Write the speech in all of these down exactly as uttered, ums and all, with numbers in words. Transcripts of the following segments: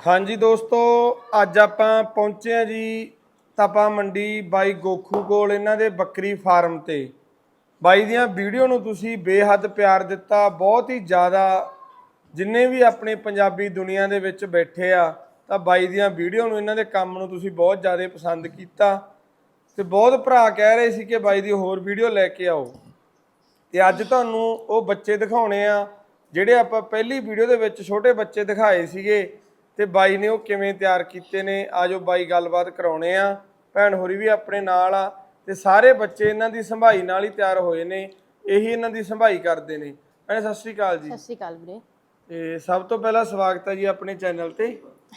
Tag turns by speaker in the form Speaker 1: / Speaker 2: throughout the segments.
Speaker 1: हाँ जी दोस्तों, अज आपां पहुंचे हैं जी तपा मंडी बाई गोखू कोल इन्हां दे बकरी फार्म ते। बाई दियां वीडियो नूं तुसीं बेहद प्यार दिता, बहुत ही ज़्यादा। जिन्ने भी अपने पंजाबी दुनिया दे विच बैठे आ तां बाई दियां वीडियो नूं इन्हां दे काम नूं तुसीं बहुत ज़्यादा पसंद कीता ते बहुत भरा कह रहे सी कि बाई दी होर वीडियो लैके आओ। ते अज तुहानूं वो बच्चे दिखाउणे आ ਜਿਹੜੇ ਆਪਾਂ ਪਹਿਲੀ ਵੀਡੀਓ ਦੇ ਵਿੱਚ ਛੋਟੇ ਬੱਚੇ ਦਿਖਾਏ ਸੀਗੇ ਤੇ ਬਾਈ ਨੇ ਉਹ ਕਿਵੇਂ ਤਿਆਰ ਕੀਤੇ ਨੇ। ਆਜੋ ਬਾਈ ਗੱਲਬਾਤ ਕਰਾਉਣੇ ਆ, ਭੈਣ ਹੋਰੀ ਵੀ ਆਪਣੇ ਨਾਲ ਆ ਤੇ ਸਾਰੇ ਬੱਚੇ ਇਹਨਾਂ ਦੀ ਸੰਭਾਈ ਨਾਲ ਹੀ ਤਿਆਰ ਹੋਏ ਨੇ, ਇਹੀ ਇਹਨਾਂ ਦੀ ਸੰਭਾਈ ਕਰਦੇ ਨੇ। ਭੈਣੇ ਸਤਿ ਸ਼੍ਰੀ ਅਕਾਲ ਜੀ।
Speaker 2: ਸਤਿ ਸ਼੍ਰੀ ਅਕਾਲ ਵੀਰੇ। ਤੇ
Speaker 1: ਸਭ ਤੋਂ ਪਹਿਲਾਂ ਸਵਾਗਤ ਹੈ ਜੀ ਆਪਣੇ ਚੈਨਲ ਤੇ।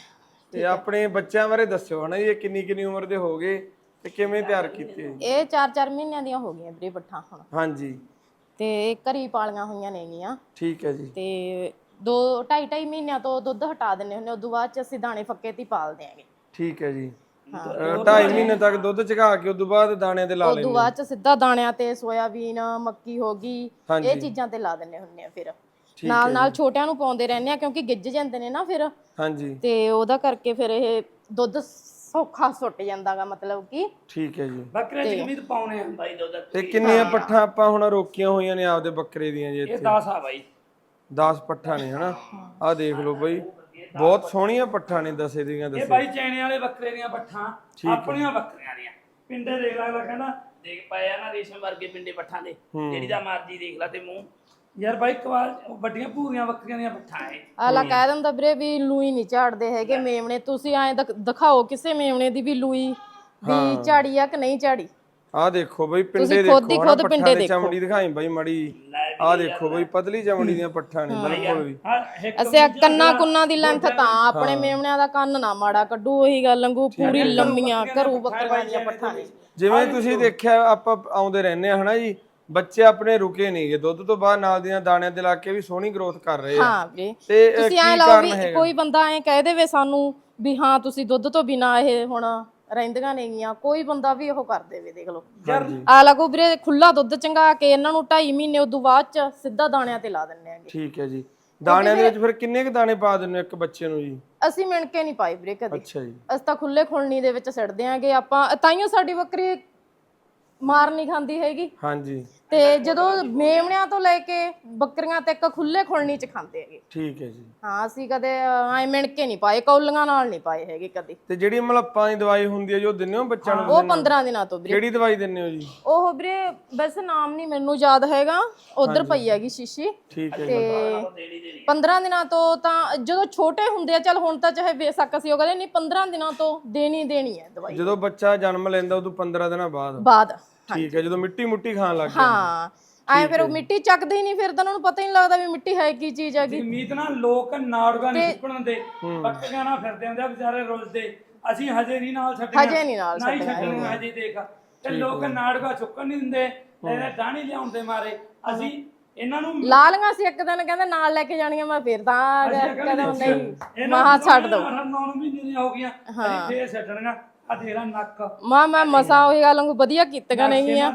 Speaker 1: ਤੇ ਆਪਣੇ ਬੱਚਿਆਂ ਬਾਰੇ ਦੱਸਿਓ ਹਨਾ ਜੀ, ਇਹ ਕਿੰਨੀ ਕਿੰਨੀ ਉਮਰ ਦੇ ਹੋ ਗਏ ਤੇ ਕਿਵੇਂ ਤਿਆਰ ਕੀਤੇ?
Speaker 2: ਇਹ ਚਾਰ ਚਾਰ ਮਹੀਨਿਆਂ ਦੀਆਂ ਹੋ ਗਈਆਂ ਵੀਰੇ ਬੱਠਾਂ ਹੁਣ।
Speaker 1: ਹਾਂਜੀ
Speaker 2: ਤੇ ਘਰੀ ਪਾਲੀਆਂ ਹੋਈਆਂ ਨੇਗੀਆਂ।
Speaker 1: ਠੀਕ ਹੈ ਜੀ।
Speaker 2: ਤੇ ਦੋ ਢਾਈ ਢਾਈ ਮਹੀਨਿਆਂ ਤੋਂ ਦੁੱਧ ਹਟਾ ਦਿੰਨੇ ਹੁੰਦੇ, ਉਦੋਂ ਬਾਅਦ ਚ ਅਸੀਂ ਦਾਣੇ ਫੱਕੇ ਤੇ ਪਾਲਦੇ ਆਂਗੇ।
Speaker 1: ਠੀਕ ਹੈ ਜੀ। ਢਾਈ ਮਹੀਨੇ ਤੱਕ ਦੁੱਧ ਚਗਾ ਕੇ ਉਦੋਂ ਬਾਅਦ ਦਾਣਿਆਂ ਤੇ ਲਾ ਲੈਂਦੇ।
Speaker 2: ਉਦੋਂ ਬਾਅਦ ਚ ਸਿੱਧਾ ਦਾਣਿਆਂ ਤੇ ਸੋਇਆਬੀਨ ਮੱਕੀ ਹੋ ਗਈ ਇਹ ਚੀਜ਼ਾਂ ਤੇ ਲਾ ਦਿੰਨੇ ਹੁੰਦੇ ਆ। ਫਿਰ ਨਾਲ ਨਾਲ ਛੋਟਿਆਂ ਨੂੰ ਪਾਉਂਦੇ ਰਹਿੰਦੇ ਆ ਕਿਉਂਕਿ ਗਿੱਜ ਜਾਂਦੇ ਨੇ ਨਾ ਫਿਰ।
Speaker 1: ਹਾਂਜੀ।
Speaker 2: ਤੇ ਉਹਦਾ ਕਰਕੇ ਫਿਰ ਇਹ ਦੁੱਧ ਸੌਖਾ ਸੁੱਟ ਜਾਂਦਾਗਾ, ਮਤਲਬ ਕਿ।
Speaker 1: ਠੀਕ ਹੈ ਜੀ।
Speaker 3: ਬੱਕਰੇ ਚ ਕਿੰਨੀ ਪਾਉਣੇ ਆ ਬਾਈ ਦੁੱਧ?
Speaker 1: ਤੇ ਕਿੰਨੀਆਂ ਪੱਠਾਂ ਆਪਾਂ ਹੁਣ ਰੋਕੀਆਂ ਹੋਈਆਂ ਨੇ ਆਪਦੇ ਬੱਕਰੇ ਦੀਆਂ ਜੀ?
Speaker 3: ਇਹ ਦਸ ਆ ਬਾਈ।
Speaker 1: ਦਸ ਪੱਠਾਂ ਨੇ ਹਨਾ। ਆਹ ਦੇਖ ਲਓ ਬਾਈ, ਬਹੁਤ ਸੋਹਣੀਆਂ ਪੱਠਾਂ ਨੇ ਦਸੇ ਦੀਆਂ ਦਸੇ।
Speaker 3: ਇਹ ਬਾਈ ਚੈਣੇ ਵਾਲੇ ਬੱਕਰੇ ਦੀਆਂ ਪੱਠਾਂ ਆਪਣੀਆਂ ਬੱਕਰੀਆਂ ਦੀਆਂ। ਪਿੰਡੇ ਦੇਖ ਲੈ, ਅਗਲਾ ਕਹਿੰਦਾ ਦੇਖ ਪਾਏ ਆ ਨਾ ਰੇਸ਼ਮ ਵਰਗੇ ਪਿੰਡੇ ਪੱਠਾਂ ਦੇ, ਜਿਹੜੀ ਦਾ ਮਰਜੀ ਦੇਖ ਲੈ ਤੇ ਮੂੰਹ। ਯਾਰ ਬਾਈ ਕਵਾਲ ਵੱਡੀਆਂ ਭੂਰੀਆਂ ਬੱਕਰੀਆਂ ਦੀਆਂ ਪੱਠਾਂ ਐ।
Speaker 2: ਆਲਾ ਕਹਿ ਦਿੰਦਾ ਵੀਰੇ ਵੀ ਲੂਈ ਨਹੀਂ ਝਾੜਦੇ ਹੈਗੇ ਮੇਮਣੇ। ਤੁਸੀਂ ਐਂ ਦਿਖਾਓ ਕਿਸੇ ਮੇਮਣੇ ਦੀ ਵੀ ਲੂਈ ਵੀ ਝਾੜੀ ਆ ਕਿ ਨਹੀਂ ਝਾੜੀ।
Speaker 1: ਆਹ ਦੇਖੋ ਬਈ ਪਿੰਡੇ ਦੇਖੋ,
Speaker 2: ਖੁਦ ਹੀ ਖੁਦ ਪਿੰਡੇ ਦੇਖੋ।
Speaker 1: ਚਮੜੀ ਦਿਖਾਈ ਬਾਈ ਮੜੀ। ਆਹ ਦੇਖੋ ਬਈ ਪਤਲੀ ਚਮੜੀ ਦੀਆਂ ਪੱਠਾਂ ਨੇ ਬਿਲਕੁਲ ਵੀ।
Speaker 2: ਅਸੀਂ ਕੰਨਾਂ ਕੁੰਨਾਂ ਦੀ ਲੈਂਥ ਤਾਂ ਆਪਣੇ ਮੇਮਣਿਆਂ ਦਾ ਕੰਨ ਨਾ ਮਾੜਾ ਕੱਢੂ, ਉਹੀ ਗੱਲ ਵਾਂਗੂ ਪੂਰੀ ਲੰਮੀਆਂ ਘਰੂ ਬੱਕਰੀਆਂ ਦੀਆਂ ਪੱਠਾਂ ਨੇ।
Speaker 1: ਜਿਵੇਂ ਤੁਸੀਂ ਦੇਖਿਆ ਆਪਾਂ ਆਉਂਦੇ ਰਹਿੰਦੇ ਆ ਹਨਾ ਜੀ, ਬੱਚੇ ਆਪਣੇ ਰੁਕੇ ਨਹੀਂਗੇ, ਦੁੱਧ ਤੋਂ ਬਾਅਦ ਨਾਲ ਦੀਆਂ ਦਾਣਿਆਂ ਦੇ ਲਾ ਕੇ ਵੀ ਸੋਹਣੀ ਗਰੋਥ ਕਰ ਰਹੇ ਆ।
Speaker 2: ਹਾਂ ਵੀਰੇ,
Speaker 1: ਤੇ
Speaker 2: ਤੁਸੀਂ ਐ ਲਾਓ ਵੀ ਕੋਈ ਬੰਦਾ ਐ ਕਹਿ ਦੇਵੇ ਸਾਨੂੰ ਵੀ ਹਾਂ ਤੁਸੀਂ ਦੁੱਧ ਤੋਂ ਬਿਨਾ ਇਹ ਹੁਣ ਰਹਿੰਦੀਆਂ ਨੇਗੀਆਂ, ਕੋਈ ਬੰਦਾ ਵੀ ਉਹ ਕਰ ਦੇਵੇ। ਦੇਖ ਲਓ ਆ ਲੱਗੋ ਵੀਰੇ, ਖੁੱਲਾ ਦੁੱਧ ਚੰਗਾ ਕੇ ਇਹਨਾਂ ਨੂੰ ਢਾਈ ਮਹੀਨੇ ਉਦੋਂ ਬਾਅਦ ਚ ਸਿੱਧਾ ਦਾਣਿਆਂ ਤੇ ਲਾ ਦਿੰਨੇ ਆਂਗੇ।
Speaker 1: ਠੀਕ ਹੈ ਜੀ। ਦਾਣਿਆਂ ਦੇ ਵਿੱਚ ਫਿਰ ਕਿੰਨੇ ਕ ਦਾਣੇ ਪਾ ਦਿੰਦੇ ਇੱਕ ਬੱਚੇ ਨੂੰ ਜੀ?
Speaker 2: ਅਸੀਂ ਮਿਣ ਕੇ ਨਹੀਂ ਪਾਈ ਵੀਰੇ ਕਦੇ।
Speaker 1: ਅੱਛਾ ਜੀ।
Speaker 2: ਅਸੀਂ ਤਾਂ ਖੁੱਲੇ ਖੁਲਣੀ ਦੇ ਵਿੱਚ ਸਿੱਟਦੇ ਆਂਗੇ ਆਪਾਂ, ਤਾਈਓ ਸਾਡੀ ਬੱਕਰੀ ਮਾਰ ਨਹੀਂ ਖਾਂਦੀ ਹੈਗੀ।
Speaker 1: ਹਾਂਜੀ।
Speaker 2: ਤੇ ਜਦੋਂ ਮੇਮਣਿਆਂ ਤੋਂ ਲੈ ਕੇ ਬੱਕਰੀਆਂ ਤੱਕ ਖੁੱਲੇ ਖੁਲਣੀ ਚ ਖਾਂਦੇ ਹੈਗੇ।
Speaker 1: ਠੀਕ ਹੈ ਜੀ।
Speaker 2: ਹਾਂ ਅਸੀਂ ਕਦੇ ਐ ਮਿਣ ਕੇ ਨਹੀਂ ਪਾਏ, ਕੌਲੀਆਂ ਨਾਲ ਨਹੀਂ ਪਾਏ ਹੈਗੇ ਕਦੇ।
Speaker 1: ਤੇ ਜਿਹੜੀ ਮਲੱਪਾਂ ਦੀ ਦਵਾਈ ਹੁੰਦੀ ਹੈ ਜੋ ਦਿੰਦੇ ਹੋ ਬੱਚਿਆਂ ਨੂੰ?
Speaker 2: ਉਹ ਪੰਦਰਾਂ ਦਿਨਾਂ ਤੋਂ ਵੀਰੇ।
Speaker 1: ਕਿਹੜੀ ਦਵਾਈ ਦਿੰਦੇ ਹੋ ਜੀ?
Speaker 2: ਉਹ ਵੀਰੇ ਵੈਸੇ ਨਾਮ ਨਹੀਂ ਮੈਨੂੰ ਯਾਦ ਹੈਗਾ, ਉਧਰ ਪਈ ਹੈਗੀ ਸ਼ੀਸ਼ੀ।
Speaker 1: ਠੀਕ ਹੈ।
Speaker 2: ਤੇ ਪੰਦਰਾਂ ਦਿਨਾਂ ਤੋਂ ਤਾਂ ਜਦੋਂ ਛੋਟੇ ਹੁੰਦੇ ਆ, ਚੱਲ ਹੁਣ ਤਾਂ ਚਾਹੇ ਬੇਸ਼ੱਕ ਅਸੀਂ ਉਹ ਕਹਿੰਦੇ ਨਹੀਂ, ਪੰਦਰਾਂ ਦਿਨਾਂ ਤੋਂ ਦੇਣੀ ਦੇਣੀ ਹੈ ਦਵਾਈ।
Speaker 1: ਜਦੋਂ ਬੱਚਾ ਜਨਮ ਲੈਂਦਾ ਉਦੋਂ ਪੰਦਰਾਂ ਦਿਨਾਂ ਬਾਅਦ?
Speaker 2: ਬਾਅਦ।
Speaker 1: ਠੀਕ ਹੈ, ਜਦੋਂ ਮਿੱਟੀ ਮੁੱਟੀ ਖਾਣ ਲੱਗ ਜਾਂਦਾ।
Speaker 2: ਹਾਂ ਐ ਫਿਰ ਉਹ ਮਿੱਟੀ ਚੱਕਦੇ ਹੀ ਨਹੀਂ, ਫਿਰ ਤਾਂ ਉਹਨਾਂ ਨੂੰ ਪਤਾ ਹੀ ਨਹੀਂ ਲੱਗਦਾ ਵੀ ਮਿੱਟੀ ਹੈ ਕੀ ਚੀਜ਼ ਹੈਗੀ।
Speaker 3: ਮੀਤ ਨਾ ਲੋਕ ਨਾੜੂਆਂ ਨਹੀਂ ਸੁੱਕਣ ਦੇ, ਬੱਕਰੀਆਂ ਨਾਲ ਫਿਰਦੇ ਹੁੰਦੇ ਆ ਵਿਚਾਰੇ ਰੁੱਲਦੇ। ਅਸੀਂ ਹਜੇ ਨਹੀਂ ਨਾਲ ਛੱਡਣਾ,
Speaker 2: ਹਜੇ ਨਹੀਂ ਨਾਲ
Speaker 3: ਛੱਡਣਾ ਹਜੇ। ਦੇਖ ਤੇ ਲੋਕ ਨਾੜੂਆਂ ਚੁੱਕਣ ਨਹੀਂ ਦਿੰਦੇ, ਇਹਦੇ ਡਾਣੀ ਲਿਆਉਣ ਦੇ ਮਾਰੇ ਅਸੀਂ ਇਹਨਾਂ ਨੂੰ
Speaker 2: ਲਾ ਲਈਆਂ ਸੀ। ਇੱਕ ਦਿਨ ਕਹਿੰਦੇ ਨਾਲ ਲੈ ਕੇ ਜਾਣੀਆਂ, ਮੈਂ ਫਿਰ ਤਾਂ ਕਹਿੰਦਾ ਨਹੀਂ ਮਹਾ ਛੱਡ ਦੋ।
Speaker 3: ਨੌ ਮਹੀਨੇ ਦੀਆਂ ਹੋ ਗਈਆਂ ਅਸੀਂ ਫੇਰ ਛੱਡਣੀਆਂ। ਆ ਤੇਰਾ ਨੱਕ
Speaker 2: ਮਾਂ ਮੈਂ ਮਸਾਂ ਉਹੀ ਗੱਲ ਨੂੰ ਵਧੀਆ ਕੀਤੀਆਂ ਨੇਗੀਆਂ।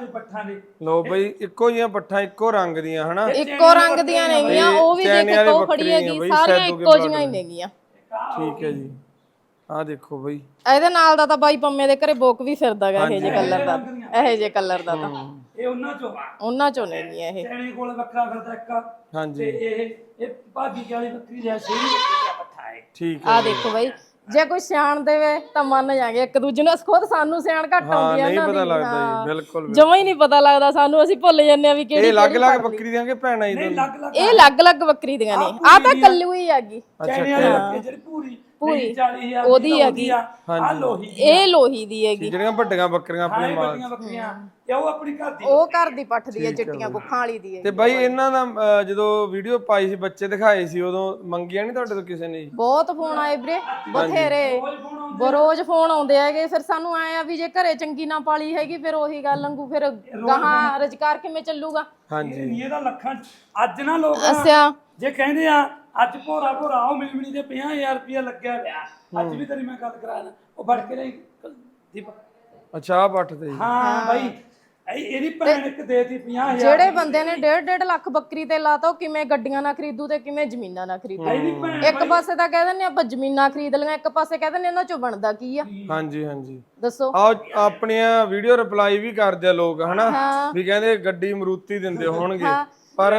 Speaker 1: ਲੋ ਬਈ ਇੱਕੋ ਜੀਆਂ ਪੱਠਾਂ ਇੱਕੋ ਰੰਗ ਦੀਆਂ ਹਨਾ,
Speaker 2: ਇੱਕੋ ਰੰਗ ਦੀਆਂ ਨੇਗੀਆਂ। ਉਹ ਵੀ ਦੇਖ ਇੱਕੋ ਖੜੀ ਹੈਗੀ, ਸਾਰੀਆਂ ਇੱਕੋ ਜੀਆਂ ਹੀ ਨੇਗੀਆਂ।
Speaker 1: ਠੀਕ ਹੈ ਜੀ। ਆਹ ਦੇਖੋ ਬਈ
Speaker 2: ਇਹਦੇ ਨਾਲ ਦਾ ਤਾਂ ਬਾਈ ਪੰਮੇ ਦੇ ਘਰੇ ਬੋਕ ਵੀ ਫਿਰਦਾਗਾ ਇਹ ਜੇ ਕਲਰ ਦਾ, ਇਹ ਜੇ ਕਲਰ ਦਾ ਤਾਂ
Speaker 3: ਇਹ ਉਹਨਾਂ ਚੋਂ ਆ,
Speaker 2: ਉਹਨਾਂ ਚੋਂ ਨੇਗੀਆਂ ਇਹ।
Speaker 3: ਚੈਣੇ ਕੋਲ ਵੱਖਰਾ ਫਿਰਦਾ ਇੱਕ।
Speaker 1: ਹਾਂਜੀ।
Speaker 3: ਤੇ ਇਹ ਇਹ ਭਾਜੀ ਵਾਲੀ ਬੱਕਰੀ ਜੈਸੀ ਬੱਕਰੀ ਦਾ ਪੱਠਾ ਹੈ।
Speaker 1: ਠੀਕ ਹੈ।
Speaker 2: ਆਹ ਦੇਖੋ ਬਾਈ, ਜੇ ਕੋਈ ਸਿਆਣ ਦੇਵੇ ਤਾਂ ਮੰਨ ਜਾਗੇ ਇੱਕ ਦੂਜੇ ਨੂੰ। ਖੁਦ ਸਾਨੂੰ ਸਿਆਣ ਘੱਟ ਆਉਂਦੀ ਆ
Speaker 1: ਨਹੀਂ
Speaker 2: ਇਹਨਾਂ ਦੀ।
Speaker 1: ਪਤਾ ਲੱਗਦਾ ਜੀ, ਬਿਲਕੁਲ
Speaker 2: ਜਮਾਂ ਹੀ ਨਹੀਂ ਪਤਾ ਲੱਗਦਾ ਸਾਨੂੰ, ਅਸੀਂ ਭੁੱਲ ਜੰਨੇ ਆ ਵੀ ਕਿਹੜੀ।
Speaker 1: ਇਹ ਅਲੱਗ-ਅਲੱਗ ਬੱਕਰੀ ਦੀਆਂ ਕਿ ਭੈਣਾਂ ਹੀ ਦੋਨੋਂ?
Speaker 2: ਇਹ ਅਲੱਗ-ਅਲੱਗ ਬੱਕਰੀ ਦੀਆਂ ਨੇ। ਆ ਤਾਂ ਕੱਲੂ ਹੀ ਹੈਗੀ
Speaker 3: ਚੈਣੇ ਵਾਲੀ ਬੱਕਰੀ ਜਿਹੜੀ ਪੂਰੀ
Speaker 2: ਪੂਰੀ
Speaker 3: ਚਾਲੀ ਹਜ਼ਾਰ
Speaker 2: ਉਹਦੀ ਹੈਗੀ।
Speaker 3: ਆ ਲੋਹੀ,
Speaker 2: ਇਹ ਲੋਹੀ ਦੀ ਹੈਗੀ।
Speaker 1: ਜਿਹੜੀਆਂ ਵੱਡੀਆਂ ਬੱਕਰੀਆਂ ਆਪਣੇ ਮਾਲ
Speaker 3: ਵੱਡੀਆਂ ਬੱਕਰੀਆਂ ਤੇ ਉਹ ਆਪਣੀ ਘਰ ਦੀ,
Speaker 2: ਉਹ ਘਰ ਦੀ ਪੱਠ ਦੀ ਹੈ, ਚਿੱਟੀਆਂ ਕੁੱਖਾਂ ਵਾਲੀ ਦੀ ਹੈ।
Speaker 1: ਤੇ ਬਾਈ ਇਹਨਾਂ ਦਾ ਅਹ, ਜਦੋਂ ਵੀਡੀਓ ਪਾਈ ਸੀ ਬੱਚੇ ਦਿਖਾਏ ਸੀ, ਉਦੋਂ ਮੰਗਿਆ ਨਹੀਂ ਤੁਹਾਡੇ ਤੋਂ ਕਿਸੇ ਨੇ ਜੀ?
Speaker 2: ਬਹੁਤ ਫੋਨ ਆਏ ਵੀਰੇ, ਬਥੇਰੇ ਰੋਜ਼ ਫੋਨ ਆਉਂਦੇ ਹੈਗੇ। ਫਿਰ ਸਾਨੂੰ ਆਏ ਆ ਵੀ ਜੇ ਘਰੇ ਚੰਗੀ ਨਾ ਪਾਲੀ ਹੈਗੀ ਫਿਰ ਉਹੀ ਗੱਲ ਵਾਂਗੂ ਫਿਰ ਗਾਹਾਂ ਰੁਜ਼ਗਾਰ ਕਿਵੇਂ ਚੱਲੂਗਾ।
Speaker 1: ਹਾਂਜੀ।
Speaker 3: ਇਹਦਾ ਲੱਖਾਂ ਅੱਜ ਨਾ ਲੋਕ
Speaker 2: ਅੱਛਾ
Speaker 3: ਜੇ ਕਹਿੰਦੇ ਆ ਅੱਜ ਭੋਰਾ ਭੋਰਾ ਉਹ ਮਿਲਮਣੀ ਦੇ ਪੰਜਾਹ ਹਜ਼ਾਰ ਰੁਪਇਆ ਲੱਗਿਆ ਪਿਆ, ਅੱਜ ਵੀ ਤੇਰੀ ਮੈਂ ਗੱਲ ਕਰਾਣਾ ਉਹ ਫੜ ਕੇ ਲਈ ਦੀਪ।
Speaker 1: ਅੱਛਾ ਪੱਠ ਤੇ?
Speaker 3: ਹਾਂ ਬਾਈ ਇਹ- ਇਹਦੀ ਭੈਣ ਇੱਕ ਦੇਤੀ ਪੰਜਾਹ ਹਜ਼ਾਰ
Speaker 2: ਜਿਹੜੇ ਬੰਦੇ ਨੇ ਡੇਢ ਡੇਢ ਲੱਖ ਬੱਕਰੀ ਤੇ ਲਾਤਾ ਉਹ ਕਿਵੇਂ ਗੱਡੀਆਂ ਨਾ ਖਰੀਦੂ ਤੇ ਕਿਵੇਂ ਜ਼ਮੀਨਾਂ ਨਾ ਖਰੀਦੂ।
Speaker 3: ਇਹਦੀ ਭੈਣ
Speaker 2: ਇੱਕ ਪਾਸੇ ਤਾਂ ਕਹਿ ਦਿੰਦੇ ਆਪਾਂ ਜ਼ਮੀਨਾਂ ਖਰੀਦ ਲਈਆਂ, ਇੱਕ ਪਾਸੇ ਕਹਿ ਦਿੰਦੇ ਇਹਨਾਂ ਚੋਂ ਬਣਦਾ ਕੀ ਆ।
Speaker 1: ਹਾਂਜੀ ਹਾਂਜੀ
Speaker 2: ਦੱਸੋ।
Speaker 1: ਆ ਆਪਣੀਆਂ ਵੀਡੀਓ ਰਿਪਲਾਈ ਵੀ ਕਰਦੇ ਆ ਲੋਕ ਹਨਾ,
Speaker 2: ਹਾਂ।
Speaker 1: ਵੀ ਕਹਿੰਦੇ ਗੱਡੀ ਮਰੂਤੀ ਦਿੰਦੇ ਹੋਣਗੇ, ਪਰ